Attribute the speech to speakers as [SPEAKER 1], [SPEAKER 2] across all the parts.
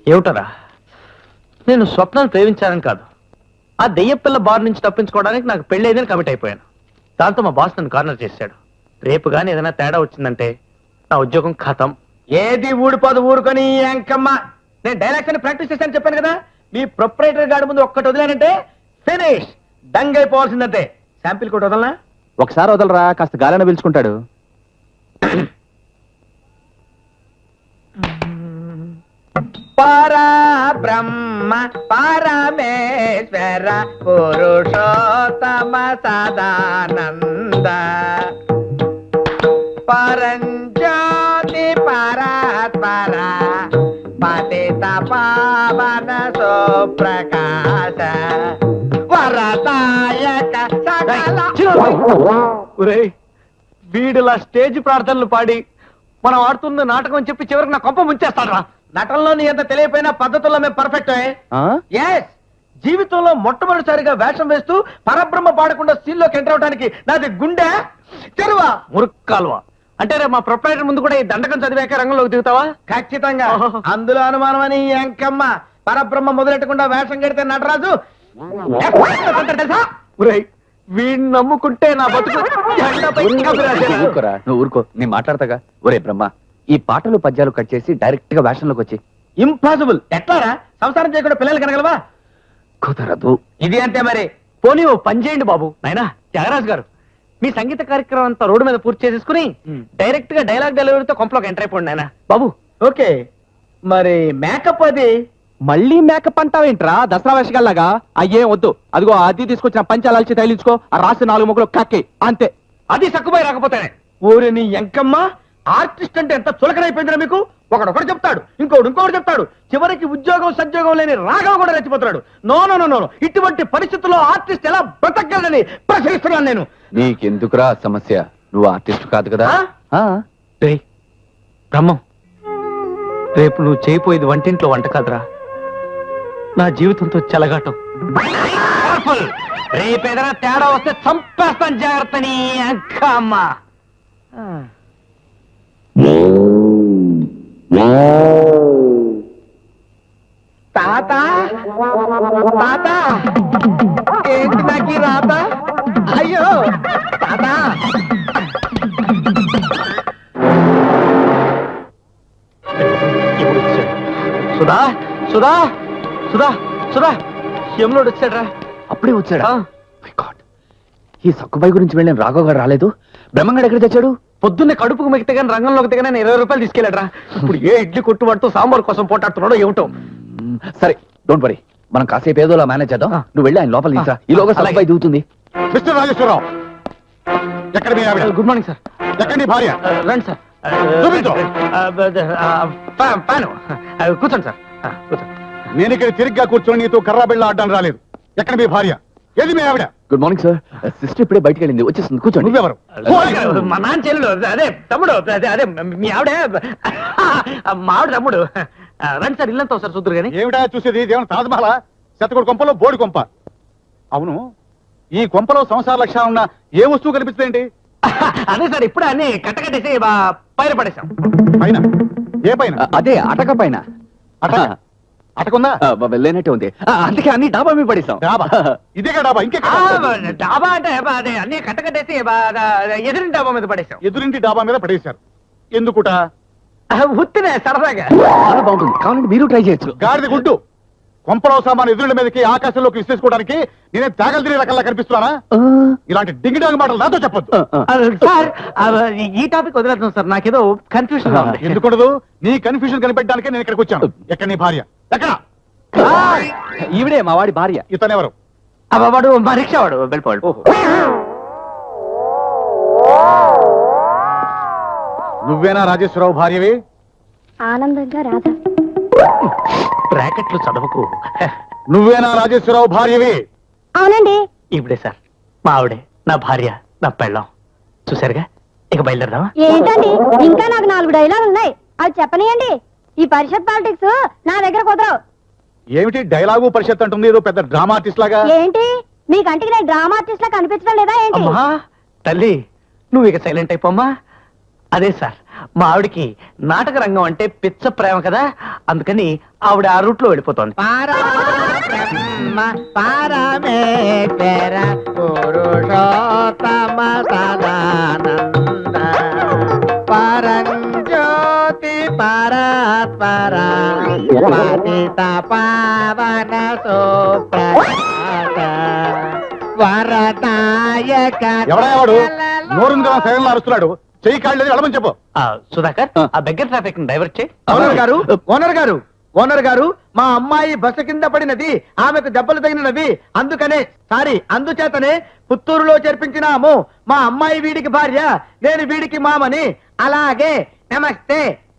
[SPEAKER 1] ఏమిటరా, నేను స్వప్నాన్ని ప్రేమించానని కాదు, ఆ దెయ్యపిల్ల బార్ నుంచి తప్పించుకోవడానికి నాకు పెళ్ళైందని కమిట్ అయిపోయాను. దాంతో మా బాస్ నన్ను కార్నర్ చేశాడు. రేపు కానీ ఏదైనా తేడా వచ్చిందంటే నా ఉద్యోగం ఖతం.
[SPEAKER 2] ఏది ఊడిపోదు ఊరుకొని అంకమ్మ. నేను డైలాగ్స్ అని ప్రాక్టీస్ చేశాను చెప్పాను కదా. మీ ప్రొపరేటర్ గాడి ముందు ఒక్కటి వదిలేనంటే ఫినిష్, డంగ్ అయిపోవాల్సిందంతే. శాంపిల్ కూడా వదలనా?
[SPEAKER 3] ఒకసారి వదలరా, కాస్త గాలిన పిలుచుకుంటాడు.
[SPEAKER 2] పరా బ్రహ్మ పరమేశ్వర పురుషోత్తమ సదానంద పరంజ్యోతి పరాత్పర పతిత పావన సుప్రకాశ వరదాయక సకల.
[SPEAKER 1] వీడిలా స్టేజ్ ప్రార్థనలు పాడి మనం ఆడుతున్న నాటకం అని చెప్పి చివరికి నా కొంప ముంచేస్తాడు.
[SPEAKER 2] నటనలో నీ ఎంత తెలియపోయినా పద్ధతుల్లో మేము పర్ఫెక్ట్. ఎస్, జీవితంలో మొట్టమొదటిసారిగా వేషం వేస్తూ పరబ్రహ్మ పాడకుండా సీన్ లోకి ఎంటర్ అవడానికి నాది గుండె చెరువా
[SPEAKER 1] మురుక్కాల్వా. అంటే రేపు మా ప్రొపరేటర్ ముందు కూడా ఈ దండకం చదివాక రంగంలోకి దిగుతావా?
[SPEAKER 2] ఖచ్చితంగా. అందులో అనుమానం అని అంకమ్మ. పరబ్రహ్మ మొదలెట్టకుండా వేషం కడితే నటరాజు తెలుసా?
[SPEAKER 1] వీడిని నమ్ముకుంటే నా బతుకు.
[SPEAKER 3] నువ్వు ఊరుకో, నేను మాట్లాడతాగా. ఒరే బ్రహ్మ, ఈ పాటలు పద్యాలు కట్ చేసి డైరెక్ట్ గా వేషంలోకి వచ్చి.
[SPEAKER 2] ఇంపాసిబుల్. ఎట్లారా, సంసారం చేయకుండా పిల్లలు కనగలవా?
[SPEAKER 3] కుదరదు.
[SPEAKER 2] ఇది అంతే మరి.
[SPEAKER 1] పోనీ ఓ పని చేయండి బాబు. నాయనా త్యాగరాజు గారు, మీ సంగీత కార్యక్రమం అంతా రోడ్డు మీద పూర్తి చేసేసుకుని డైరెక్ట్ గా డైలాగ్ డెలివరీతో కొంపలోకి ఎంటర్ అయిపోండి నాయనా బాబు.
[SPEAKER 2] ఓకే, మరి మేకప్ అది
[SPEAKER 3] మళ్ళీ మేకప్ అంటావేంట్రా దసరా వేషగాల్లాగా? అయ్యేం వద్దు. అదిగో అది తీసుకొచ్చిన పంచాలాల్చి తగిలించుకో, ఆ రాసి 4 ముక్కలు కక్కి అంతే.
[SPEAKER 1] అది సక్కుపోయి రాకపోతేనే.
[SPEAKER 2] ఊరి నీ ఎంకమ్మ, ఆర్టిస్ట్ అంటే ఎంత చులకనైపోయిందిరా మీకు. ఒకడొకడు చెప్తాడు, ఇంకోటి చెప్తాడు, చివరికి ఉద్యోగం సంజోగం లేని రాఘవ కూడా రెచ్చిపోతున్నాడు. నో నో నో నో, ఇటువంటి పరిస్థితుల్లో ఆర్టిస్ట్ ఎలా బ్రతకగలనని ప్రశ్నిస్తున్నాను నేను.
[SPEAKER 3] నీకెందుకురా సమస్య? నువ్వు ఆర్టిస్ట్ కాదు కదా.
[SPEAKER 1] బ్రహ్మం, రేపు నువ్వు చేయపోయేది వంటింట్లో వంట కాదురా, నా జీవితంతో చెలగాటం. రేపేదైనా తేడా వస్తే చంపేస్తాను, జాగ్రత్త నీ అక్కమ్మ.
[SPEAKER 2] తాత తాత, ఏంటి నాకు రాత? అయ్యో తాత.
[SPEAKER 1] సుధా సుధా సుధా సుధా, యములోడు వచ్చాడ్రా.
[SPEAKER 3] అప్పుడే వచ్చాడా? ఈ సక్కుబాయి గురించి వెళ్ళిన రాఘవ్ గారు రాలేదు. బ్రహ్మంగాడు ఎక్కడ తెచ్చాడు?
[SPEAKER 1] పొద్దున్నే కడుపుకు మిగితే కానీ రంగంలోకి దిగనే 20 రూపాయలు తీసుకెళ్ళాడ్రా. ఇప్పుడు ఏ ఇడ్లీ కొట్టు పడుతూ సాంబార్ కోసం పోటాడుతున్నాడో ఏమిటో.
[SPEAKER 3] సరే, డోంట్ వరీ, మనం కాసేపు ఏదోలా మేనేజ్ చేద్దాం. నువ్వు వెళ్ళి ఆయన లోపల తీసా, ఈలోగా సక్కుబాయి దిగుతుంది.
[SPEAKER 4] మిస్టర్ రాజేశ్వరరావు, ఎక్కడ మీ ఆవిడ?
[SPEAKER 1] Good morning sir.
[SPEAKER 4] ఎక్కడ నీ భార్య?
[SPEAKER 1] రండి సార్. పాను కూర్చోండి సార్, కూర్చోండి.
[SPEAKER 4] నేను ఇక్కడ తిరిగ్గా కూర్చొని నీతో కర్రా బిళ్ళ ఆడడానికి రాలేదు. ఎక్కడ మీ భార్య? ఏది మీ ఆవిడ?
[SPEAKER 3] Good morning sir. సిస్టర్ ఇప్పుడే బయటకు వెళ్ళింది, వచ్చేస్తుంది. కూర్చోండి.
[SPEAKER 4] నువ్వెవరు?
[SPEAKER 1] మా నాన్న చెల్లెలు, అదే తమ్ముడు, అదే మీ ఆవిడే, మా ఆవిడ తమ్ముడు. రండి సార్, ఇల్లంతా సార్ చూద్దరు కానీ.
[SPEAKER 4] ఏమిటా చూసేది? దేవుని తాజ్మహల్, శతకోటి కొంపలో బోడి కొంప. అవును, ఈ కొంపలో సంసార లక్ష్యాలు ఉన్న ఏ వస్తువు కనిపిస్తుందేంటి?
[SPEAKER 1] అదే సార్, ఇప్పుడే అన్ని కట్టకట్టేసి పైన పడేసాం.
[SPEAKER 4] పైన? ఏ పైన?
[SPEAKER 3] అదే అటక పైన.
[SPEAKER 4] అటకుందా?
[SPEAKER 3] లేనట్టే ఉంది, అందుకే అన్ని డాబా మీద పడేసాం.
[SPEAKER 4] డాబా? ఇదేగా డాబా, ఇంకే
[SPEAKER 1] డాబా అంటే అదే అన్ని కట్టకట్టేసి ఎదురింటి డాబా మీద పడేసాం.
[SPEAKER 4] ఎదురింటి డాబా మీద పడేశారు. ఎందుకుట?
[SPEAKER 1] ఉత్తినే సరదాగా.
[SPEAKER 3] చాలా బాగుంటుంది, కావాలంటే మీరు ట్రై చేయొచ్చు.
[SPEAKER 4] గాడిద గుడ్డు, కొంపలో సామాను ఎదురుల మీదకి ఆకాశంలోకి విశ్లేసుకోవడానికి నేనే తాగలు తినే రకంగా కనిపిస్తున్నానా? ఇలాంటి డింగిడాంగ్ మాటలు నాతో చెప్పొద్దు.
[SPEAKER 1] సార్, ఈ టాపిక్ వదిలేద్దాం సార్, నాకేదో కన్ఫ్యూషన్.
[SPEAKER 4] ఎందుకుండదు? నీ కన్ఫ్యూజన్ కనిపెట్టడానికే నేను ఇక్కడికి వచ్చాను. ఎక్కడ నీ భార్య? ఎక్కడ?
[SPEAKER 3] ఈవిడే మా వాడి భార్య.
[SPEAKER 4] ఇతనెవరు?
[SPEAKER 1] వాడు మా రిక్షా వాడు, వెళ్ళిపోవాడు.
[SPEAKER 4] నువ్వేనా రాజేశ్వరరావు భార్యవి?
[SPEAKER 5] ఆనందంగా రాధా.
[SPEAKER 1] బ్రాకెట్లు చదవకు.
[SPEAKER 4] నువ్వేనా రాజేశ్వరరావు భార్యవి?
[SPEAKER 5] అవునండి.
[SPEAKER 1] ఇప్పుడే సార్, మా ఆవిడే నా భార్య, నా పెళ్ళాం. చూసారుగా, ఇక బయలుదేరదామా?
[SPEAKER 5] ఏంటండి, ఇంకా నాకు 4 డైలాగులు ఉన్నాయి, అవి చెప్పనియండి. ఈ పరిషత్ పాలిటిక్స్ నా దగ్గర కుదరవు.
[SPEAKER 4] ఏమిటి డైలాగు పరిషత్ అంటుంది, ఏదో పెద్ద డ్రామా ఆర్టిస్ట్ లాగా?
[SPEAKER 5] ఏంటి, మీ కంటికి నేను డ్రామా ఆర్టిస్ట్ లా కనిపించడం లేదా ఏంటి?
[SPEAKER 1] అమ్మా తల్లి, నువ్వు ఇక సైలెంట్ అయిపోమ్మా. అదే సార్, మా ఆవిడికి నాటక రంగం అంటే పిచ్చ ప్రేమ కదా, అందుకని ఆవిడ ఆ రూట్ లో వెళ్ళిపోతోంది.
[SPEAKER 2] పరమేశ్వర పురుషోత్తమ సదానంద పరంజ్యోతి పరాత్పర పతిత పావన సుప్రభాత వరదాయక
[SPEAKER 4] ఎవడా వాడు నోరుంది కదా సైలెంట్ అరుస్తున్నాడు. చెయ్యి కాళ్ళు వెళ్ళమని చెప్పు.
[SPEAKER 1] సుధాకర్, ఆ బెగ్గర్ ట్రాఫిక్ డైవర్ట్ చేయి.
[SPEAKER 2] ఓనర్ గారు మా అమ్మాయి బస్సు కింద పడినది, ఆమెకు దెబ్బలు తగినవి, అందుచేతనే పుత్తూరులో చేర్పించినాము. మా అమ్మాయి వీడికి భార్య, నేను వీడికి మామని. అలాగే నమస్తే.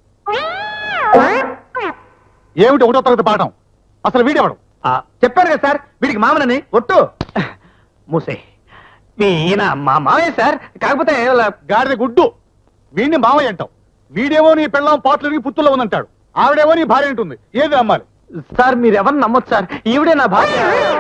[SPEAKER 4] ఏమిటి ఒకటో తరగతి పాఠం? అసలు వీడెవడు?
[SPEAKER 2] చెప్పారు కదా సార్, వీడికి మామనని. ఒట్టు
[SPEAKER 1] మూసే, ఈయన మా మావయ్య సార్, కాకపోతే
[SPEAKER 4] గాడిద గుడ్డు. వీడిని మావయ్య అంటావు. వీడేమో నీ పెళ్ళం పాటలకి పుత్తుల్లో ఉందంటాడు. ఆవిడేమో నీ భార్య ఉంటుంది. ఏది నమ్మాలి?
[SPEAKER 1] సార్ మీరు ఎవరిని నమ్మొచ్చు సార్, ఈవిడే నా భార్య.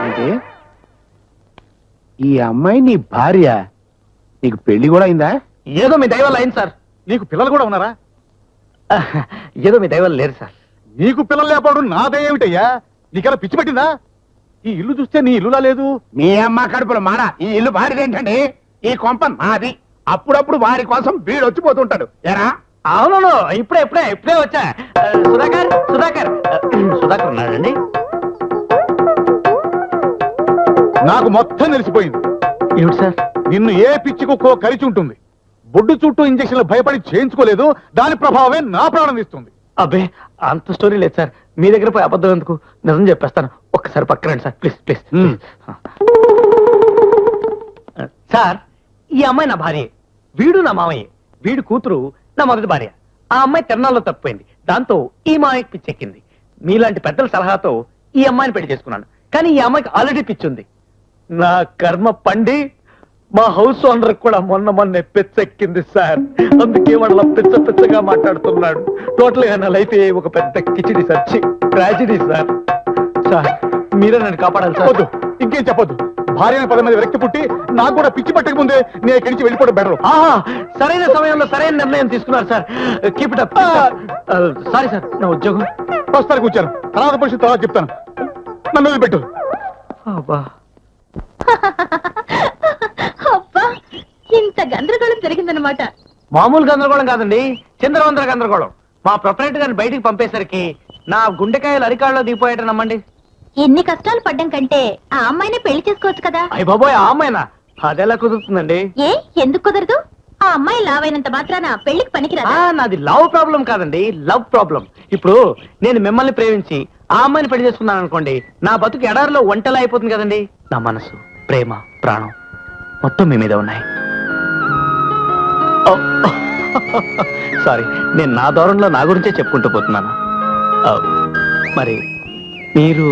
[SPEAKER 3] ఈ అమ్మాయి నీ భార్య? నీకు పెళ్లి కూడా అయిందా?
[SPEAKER 1] ఏదో మీ దైవాలు అయింది సార్.
[SPEAKER 4] నీకు పిల్లలు కూడా ఉన్నారా?
[SPEAKER 1] ఏదో మీ దైవాలు లేరు సార్.
[SPEAKER 4] నీకు పిల్లలు లేకపోవడం నాదేమిటయ్యా? నీకెలా పిచ్చి పట్టిందా? ఈ ఇల్లు చూస్తే నీ ఇల్లులా లేదు.
[SPEAKER 3] మీ అమ్మ కడుపులో మాడ. ఈ ఇల్లు భార్యదేంటండి? ఈ కొంప నాది. అప్పుడప్పుడు వారి కోసం వీడు వచ్చిపోతుంటాడు. ఎరా?
[SPEAKER 1] అవును, ఇప్పుడే వచ్చా. సుధాకర్ ఉన్నాడండి.
[SPEAKER 4] నాకు మొత్తం తెలిసిపోయింది.
[SPEAKER 1] ఏమిటి సార్?
[SPEAKER 4] నిన్ను ఏ పిచ్చి కుక్కో కరిచి ఉంటుంది. బొడ్డు చుట్టూ ఇంజక్షన్లు భయపడి చేయించుకోలేదు. దాని ప్రభావమే నా ప్రాణం ఇస్తుంది.
[SPEAKER 1] అబ్బే, అంత స్టోరీ లేదు సార్. మీ దగ్గర పోయి అబద్ధం ఎందుకు, నిజం చెప్పేస్తాను. ఒక్కసారి పక్కనండి సార్, ప్లీజ్. సార్, ఈ అమ్మాయి నా భార్య, వీడు నా మామయ్య, వీడు కూతురు నా మొదటి భార్య. ఆ అమ్మాయి తిరణాల్లో తప్పిపోయింది. దాంతో ఈ మామయ్యకి పిచ్చెక్కింది. మీలాంటి పెద్దల సలహాతో ఈ అమ్మాయిని పెళ్లి చేసుకున్నాను. కానీ ఈ అమ్మాయికి ఆల్రెడీ పిచ్చుంది. నా కర్మ పండి మా హౌస్ ఓనర్ కూడా మొన్నే పిచ్చెక్కింది సార్. అందుకే వాళ్ళ పిచ్చగా మాట్లాడుతున్నాడు. టోటల్ గా నా లైఫ్ ఒక పెద్ద khichdi sir, tragedy sir. Sir మీరే నన్ను కాపాడాలి సార్.
[SPEAKER 4] వద్దు, ఇంకేం చెప్పొద్దు. భార్యని 10 మంది వ్యక్తి పుట్టి నాకు కూడా పిచ్చి పట్టక ముందే నేను ఇక్కడి నుంచి వెళ్ళిపోవడం బెటర్.
[SPEAKER 1] సరైన సమయంలో సరైన నిర్ణయం తీసుకున్నారు sir. Keep it up. Sorry sir, నా ఉద్యోగం.
[SPEAKER 4] ప్రస్తుతానికి కూర్చాను, తర్వాత పరిస్థితి తర్వాత చెప్తాను. నన్ను వదిలిపెట్టు.
[SPEAKER 5] అబ్బా, ఇంత గందరగోళం జరిగిందనమాట.
[SPEAKER 1] మామూలు గందరగోళం కాదండి, చంద్రవందర గందరగోళం. మా ప్రొపరేటర్ గారిని బయటికి పంపేసరికి నా గుండెకాయలు అరికాళ్ళలో దిగిపోయాట నమ్మండి.
[SPEAKER 5] ఎన్ని కష్టాలు పడ్డం కంటే ఆ అమ్మాయిని పెళ్లి చేసుకోవచ్చు కదా.
[SPEAKER 1] అయ్య బాబోయ్, ఆ అమ్మాయినా? అదెలా కుదురుతుందండి?
[SPEAKER 5] ఏ, ఎందుకు కుదరదు? ఆ అమ్మాయి లావైనంత మాత్రాన పెళ్లికి పనికిరాదా?
[SPEAKER 1] నాది లవ్ ప్రాబ్లం కాదండి, లవ్ ప్రాబ్లం. ఇప్పుడు నేను మిమ్మల్ని ప్రేమించి ఆ అమ్మాయిని పెళ్లి చేసుకున్నాను అనుకోండి, నా బతుకు ఎడారిలో ఒంటలా అయిపోతుంది కదండి. నా మనసు, ప్రేమ, ప్రాణం మొత్తం మీ మీద ఉన్నాయి. సారీ, నేను నా దూరంలో నా గురించే చెప్పుకుంటూ పోతున్నాను. మరి మీరు